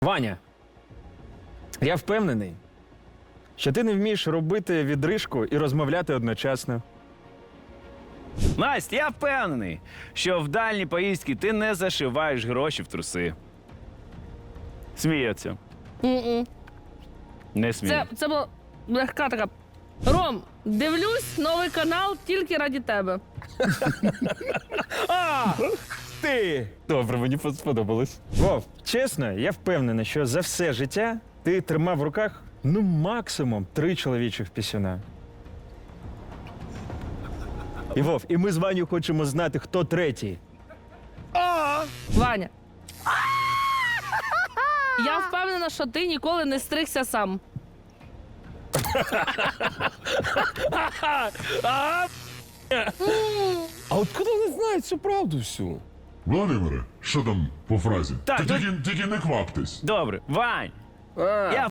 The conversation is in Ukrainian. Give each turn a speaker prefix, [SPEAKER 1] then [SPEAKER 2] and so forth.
[SPEAKER 1] Ваня, я впевнений, що ти не вмієш робити відрижку і розмовляти одночасно.
[SPEAKER 2] Настя, я впевнений, що в дальні поїздки ти не зашиваєш гроші в труси. Сміється. Не сміє.
[SPEAKER 3] Це була легка така. Ром, дивлюсь новий канал тільки раді тебе.
[SPEAKER 1] Ти! Добре, мені сподобалось. Вов, чесно, я впевнений, що за все життя ти тримав в руках, ну, максимум 3 чоловічих пісюна. І Вов, і ми з Ваню хочемо знати, хто третій.
[SPEAKER 3] Ваня. Я впевнена, що ти ніколи не стригся сам.
[SPEAKER 4] А от коли не знають цю правду всю?
[SPEAKER 5] Володимире, що там по фразі?
[SPEAKER 2] Так,
[SPEAKER 5] Та
[SPEAKER 2] тут-
[SPEAKER 5] тільки не кваптесь.
[SPEAKER 2] Добре, Вань, я